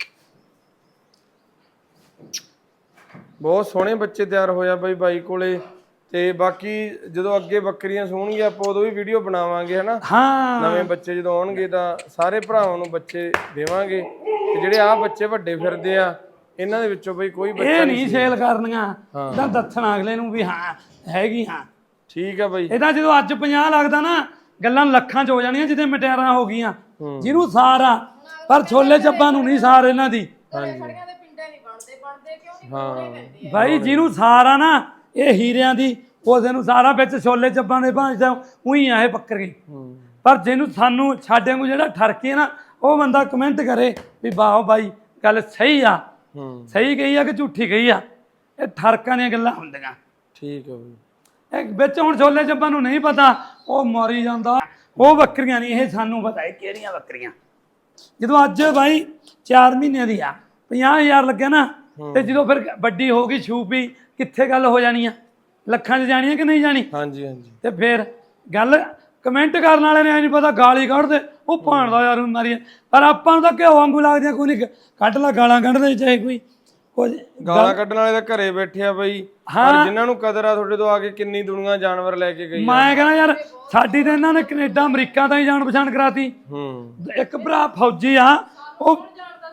Speaker 1: ਬਹੁਤ ਸੋਹਣੇ ਬੱਚੇ ਤਿਆਰ ਹੋਇਆ ਬਈ ਬਾਈ ਕੋਲੇ ਤੇ ਬਾਕੀ ਜਦੋਂ ਅੱਗੇ ਬੱਕਰੀਆਂ ਸੋਹਣਗੀਆਂ ਆਪਾਂ ਉਦੋਂ ਵੀ ਵੀਡੀਓ ਬਣਾਵਾਂਗੇ ਹਨਾ
Speaker 3: ਹਾਂ
Speaker 1: ਨਵੇਂ ਬੱਚੇ ਜਦੋਂ ਆਉਣਗੇ ਤਾਂ ਸਾਰੇ ਭਰਾਵਾਂ ਨੂੰ ਬੱਚੇ ਦੇਵਾਂਗੇ ਤੇ ਜਿਹੜੇ ਆ ਬੱਚੇ ਵੱਡੇ ਫਿਰਦੇ ਆ ਇਹਨਾਂ ਦੇ ਵਿੱਚੋਂ ਬਈ ਕੋਈ ਬੱਚਾ
Speaker 3: ਇਹ ਨਹੀਂ ਸੇਲ ਕਰਨੀਆਂ ਇਹਦਾ ਦੱਸਣਾ ਅਗਲੇ ਨੂੰ ਵੀ ਹਾਂ ਹੈਗੀ ਹਾਂ
Speaker 1: ਠੀਕ ਆ ਬਈ
Speaker 3: ਇਹਦਾ ਜਦੋਂ ਅੱਜ ਪੰਜਾਹ ਲੱਗਦਾ ਨਾ ਗੱਲਾਂ ਲੱਖਾਂ ਚ ਹੋ ਜਾਣੀਆਂ ਜਿੱਦੇ ਮਟਿਆਰਾਂ ਹੋ ਗਈਆਂ ਜਿਹਨੂੰ ਸਾਰਾ ਪਰ ਛੋਲੇ ਚੱਬਾਂ ਨੂੰ ਨਹੀਂ ਸਾਰ ਇਹਨਾਂ ਦੀ
Speaker 2: ਖੜੀਆਂ ਦੇ ਪਿੰਡੇ ਨਹੀਂ ਬਣਦੇ ਬਣਦੇ ਕਿਉਂ ਨਹੀਂ ਬਣਦੇ ਪੈਂਦੇ
Speaker 3: ਭਾਈ ਜਿਹਨੂੰ ਸਾਰਾ ਨਾ ਇਹ ਹੀਰਿਆਂ ਦੀ ਉਹਦੇ ਨੂੰ ਸਾਰਾ ਵਿੱਚ ਛੋਲੇ ਚੱਬਾਂ ਦੇ ਭਾਂਜਦਾ ਉਹੀ ਆ ਇਹ ਬੱਕਰੀ ਪਰ ਜਿਹਨੂੰ ਸਾਨੂੰ ਸਾਡੇ ਨੂੰ ਜਿਹੜਾ ਠਰਕੇ ਨਾ ਉਹ ਬੰਦਾ ਕਮੈਂਟ ਕਰੇ ਵੀ ਵਾਹ ਬਾਈ ਗੱਲ ਸਹੀ ਆ,
Speaker 1: ਹੂੰ
Speaker 3: ਸਹੀ ਕਹੀ ਆ ਕਿ ਝੂਠੀ ਕਹੀ ਆ, ਇਹ ਠਰਕਾਂ ਦੀਆਂ ਗੱਲਾਂ ਹੁੰਦੀਆਂ।
Speaker 1: ਠੀਕ ਹੈ ਬਈ।
Speaker 3: ਇਹ ਵਿੱਚ ਹੁਣ ਛੋਲੇ ਚੱਪਾਂ ਨੂੰ ਨਹੀਂ ਪਤਾ, ਉਹ ਮਰੀ ਜਾਂਦਾ, ਉਹ ਬੱਕਰੀਆਂ ਨਹੀਂ, ਇਹ ਸਾਨੂੰ ਪਤਾ ਹੈ ਕਿਹੜੀਆਂ ਬੱਕਰੀਆਂ। ਜਦੋਂ ਅੱਜ ਬਾਈ ਚਾਰ ਮਹੀਨਿਆਂ ਦੀ ਆ ਪੰਜਾਹ ਹਜ਼ਾਰ ਲੱਗਿਆ ਨਾ, ਤੇ ਜਦੋਂ ਫਿਰ ਵੱਡੀ ਹੋ ਗਈ ਛੂਪੀ, ਕਿੱਥੇ ਗੱਲ ਹੋ ਜਾਣੀ ਆ, ਲੱਖਾਂ 'ਚ ਜਾਣੀ ਆ ਕਿ ਨਹੀਂ ਜਾਣੀ।
Speaker 1: ਹਾਂਜੀ ਹਾਂਜੀ
Speaker 3: ਤੇ ਫਿਰ ਗੱਲ ਕਮੈਂਟ ਕਰਨ ਵਾਲੇ ਨੇ ਐ ਨਹੀਂ ਪਤਾ ਗਾਲੀ ਕੱਢਦੇ, ਉਹ ਭਾਣਦਾ ਯਾਰ ਮਾਰੀ, ਪਰ ਆਪਾਂ ਨੂੰ ਤਾਂ ਘਿਓ ਵਾਂਗੂ ਲੱਗਦੀਆਂ, ਕੋਈ ਨਹੀਂ ਕੱਢ ਲਾ ਗਾਲਾਂ ਕੱਢਦੇ ਚਾਹੇ ਕੋਈ ਕੁਝ।
Speaker 1: ਗਾਲਾਂ ਕੱਢਣ ਵਾਲੇ ਤਾਂ ਘਰੇ ਬੈਠੇ ਆ ਬਈ, ਪਰ ਜਿਨ੍ਹਾਂ ਨੂੰ ਕਦਰ ਆ ਤੁਹਾਡੇ ਤੋਂ ਆ ਕੇ ਕਿੰਨੀ ਦੁਨੀਆ ਜਾਨਵਰ ਲੈ ਕੇ ਗਈ।
Speaker 3: ਮੈਂ ਕਹਿੰਦਾ ਯਾਰ ਸਾਡੀ ਤਾਂ ਇਹਨਾਂ ਨੇ ਕੈਨੇਡਾ ਅਮਰੀਕਾ ਤਾਂ ਹੀ ਜਾਣ ਪਛਾਣ ਕਰਾਤੀ।
Speaker 1: ਹੂੰ
Speaker 3: ਇੱਕ ਭਰਾ ਫੌਜੀ ਆ, ਉਹ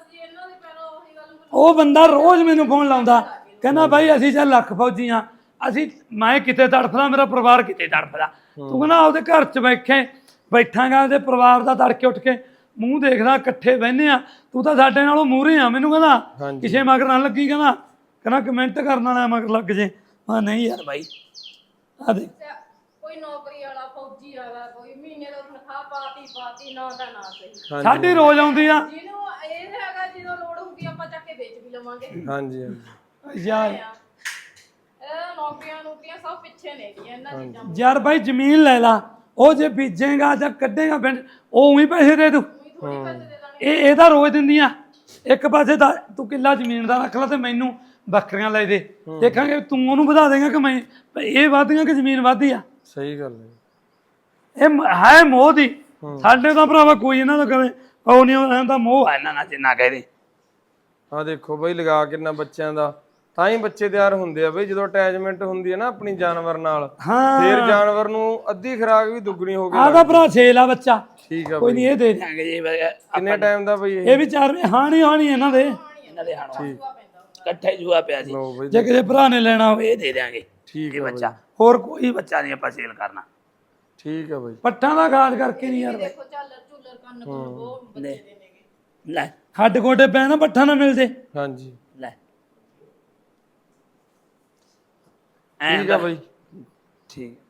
Speaker 3: ਉਹ ਬੰਦਾ ਰੋਜ਼ ਮੈਨੂੰ ਫੋਨ ਲਾਉਂਦਾ, ਕਹਿੰਦਾ ਬਾਈ ਅਸੀਂ ਚੱਲ ਲੱਖ ਫੌਜੀ ਆ, ਅਸੀਂ ਮੈਂ ਕਿਤੇ ਤੜਫਦਾ, ਮੇਰਾ ਪਰਿਵਾਰ ਕਿਤੇ ਤੜਫਦਾ, ਤੂੰ ਕਹਿੰਦਾ ਆਪਦੇ ਘਰ 'ਚ ਬੈਠੇ ਬੈਠਾਂਗਾ ਉਹਦੇ ਪਰਿਵਾਰ ਦਾ ਤੜਕੇ ਉੱਠ ਕੇ ਮੂੰਹ ਦੇਖਦਾ, ਇਕੱਠੇ ਬਹਿੰਦੇ ਆ, ਤੂੰ ਤਾਂ ਸਾਡੇ ਨਾਲੋਂ ਮੂਹਰੇ ਆ। ਮੈਨੂੰ ਕਹਿੰਦਾ ਕਿਸੇ ਮਗਰ ਨਾ ਲੱਗੀ, ਕਹਿੰਦਾ ਕਹਿੰਦਾ ਕਮੈਂਟ ਕਰਨ ਵਾਲਾ ਮਗਰ ਲੱਗ ਜੇ। ਮੈਂ ਨਹੀਂ ਯਾਰ ਬਾਈ ਆ ਦੇਖ,
Speaker 2: ਕੋਈ ਨੌਕਰੀ ਵਾਲਾ ਫੌਜੀ ਆਗਾ, ਕੋਈ ਮਹੀਨੇ ਦਾ ਤਨਖਾਹ ਪਾਤੀ ਪਾਤੀ ਨਾ ਤਾਂ ਨਾ ਸਹੀ,
Speaker 3: ਸਾਡੀ ਰੋਜ਼ ਆਉਂਦੀ ਆ।
Speaker 2: ਜਿਹਨੂੰ ਇਹ ਹੈਗਾ ਜਦੋਂ ਲੋੜ ਹੁੰਦੀ ਆਪਾਂ ਚੱਕ ਕੇ ਵੇਚ ਵੀ ਲਵਾਂਗੇ।
Speaker 1: ਹਾਂਜੀ ਹਾਂਜੀ
Speaker 3: ਯਾਰ
Speaker 2: ਇਹ ਨੌਕਰੀਆਂ ਨੌਕਰੀਆਂ ਸਭ ਪਿੱਛੇ ਨੇ ਗਈਆਂ ਇਹਨਾਂ ਚੀਜ਼ਾਂ।
Speaker 3: ਯਾਰ ਬਾਈ ਜ਼ਮੀਨ ਲੈ ਲਾ, ਉਹ ਜੇ ਬੀਜੇਗਾ ਜਾਂ ਕੱਢੇਗਾ ਪਿੰਡ, ਉਹ ਉਹੀ ਪੈਸੇ ਦੇ ਦੂ।
Speaker 2: ਥੋੜੀ ਪੈਸੇ ਦੇ ਦਾਂਗੇ।
Speaker 3: ਇਹ ਇਹ ਤਾਂ ਰੋਜ਼ ਦਿੰਦੀਆਂ। ਇੱਕ ਪਾਸੇ ਦਾ ਤੂੰ ਕਿੱਲਾ ਜ਼ਮੀਨ ਦਾ ਰੱਖ ਲਾ ਤੇ ਮੈਨੂੰ ਬੱਕਰੀਆਂ ਲੈ ਦੇ, ਦੇਖਾਂਗੇ ਤੂੰ ਉਹਨੂੰ ਵਧਾ ਦੇਗਾ ਕਿ ਮੈਂ, ਇਹ ਵਧਦੀਆਂ ਕਿ ਜ਼ਮੀਨ ਵਧਦੀ ਆ।
Speaker 1: ਸਹੀ ਗੱਲ ਹੈ।
Speaker 3: ਇਹ ਮ- ਹੈ ਮੋਹ ਦੀ। ਸਾਡੇ ਤਾਂ ਭਰਾਵਾ ਕੋਈ ਇਹਨਾਂ ਦਾ ਕਦੇ ਉਹ ਨਹੀਂ ਰਹਿੰਦਾ, ਮੋਹ ਹੈ ਇਹਨਾਂ ਨਾਲ ਜਿੰਨਾ ਕਹਦੇ।
Speaker 1: ਆ ਦੇਖੋ ਬਈ ਲਗਾ ਕਿੰਨਾ ਬੱਚਿਆਂ ਦਾ, ਤਾਂ ਹੀ ਬੱਚੇ ਤਿਆਰ ਹੁੰਦੇ ਆ ਬਈ, ਜਦੋਂ ਅਟੈਚਮੈਂਟ ਹੁੰਦੀ ਹੈ ਨਾ ਆਪਣੀ ਜਾਨਵਰ ਨਾਲ,
Speaker 3: ਹਾਂ
Speaker 1: ਫਿਰ ਜਾਨਵਰ ਨੂੰ ਅੱਧੀ ਖੁਰਾਕ ਵੀ ਦੁੱਗਣੀ ਹੋ ਗਈ।
Speaker 3: ਆਹ ਤਾਂ ਭਰਾ ਛੇਲ ਆ ਬੱਚਾ,
Speaker 1: ਠੀਕ ਆ
Speaker 3: ਕੋਈ
Speaker 1: ਬਈ।
Speaker 3: ਨਹੀਂ ਇਹ ਦੇ ਦਿਆਂਗੇ ਜੀ।
Speaker 1: ਕਿੰਨੇ ਟਾਈਮ ਦਾ ਬਈ ਇਹ?
Speaker 3: ਇਹ ਵੀ ਚਾਰ ਹਾਣੀ ਹਾਣੀ ਇਹਨਾਂ ਦੇ
Speaker 2: ਇਹਨਾਂ ਦੇ ਹਾਣੋ
Speaker 3: ਇਕੱਠੇ ਜੂਆ ਪਿਆ ਸੀ।
Speaker 1: ਲਓ ਬਈ
Speaker 3: ਜੇ ਕਿਸੇ ਭਰਾ ਨੇ ਲੈਣਾ ਹੋਵੇ ਇਹ ਦੇ ਦਿਆਂਗੇ।
Speaker 1: ਠੀਕ
Speaker 3: ਇਹ
Speaker 1: ਆ
Speaker 3: ਬੱਚਾ, ਹੋਰ ਕੋਈ ਬੱਚਾ ਨਹੀਂ ਆਪਾਂ ਸੇਲ ਕਰਨਾ।
Speaker 1: ਠੀਕ ਆ ਬਈ।
Speaker 3: ਪੱਠਾਂ ਦਾ ਖਾਸ ਕਰਕੇ ਨਹੀਂ ਯਾਰ।
Speaker 2: ਦੇਖੋ ਝਾਲਰ ਝੂਲਰ ਕੰਨ ਕੋਲ ਉਹ ਬੱਚੇ ਦੇ ਨੇਗੇ।
Speaker 3: ਲੈ ਹੱਡ ਗੋਡੇ ਪੈ ਨਾ ਪੱਠਾ ਨਾ ਮਿਲ ਜੇ।
Speaker 1: ਹਾਂਜੀ
Speaker 3: ਲੈ
Speaker 1: ਠੀਕ ਆ ਬਈ।
Speaker 3: ਠੀਕ।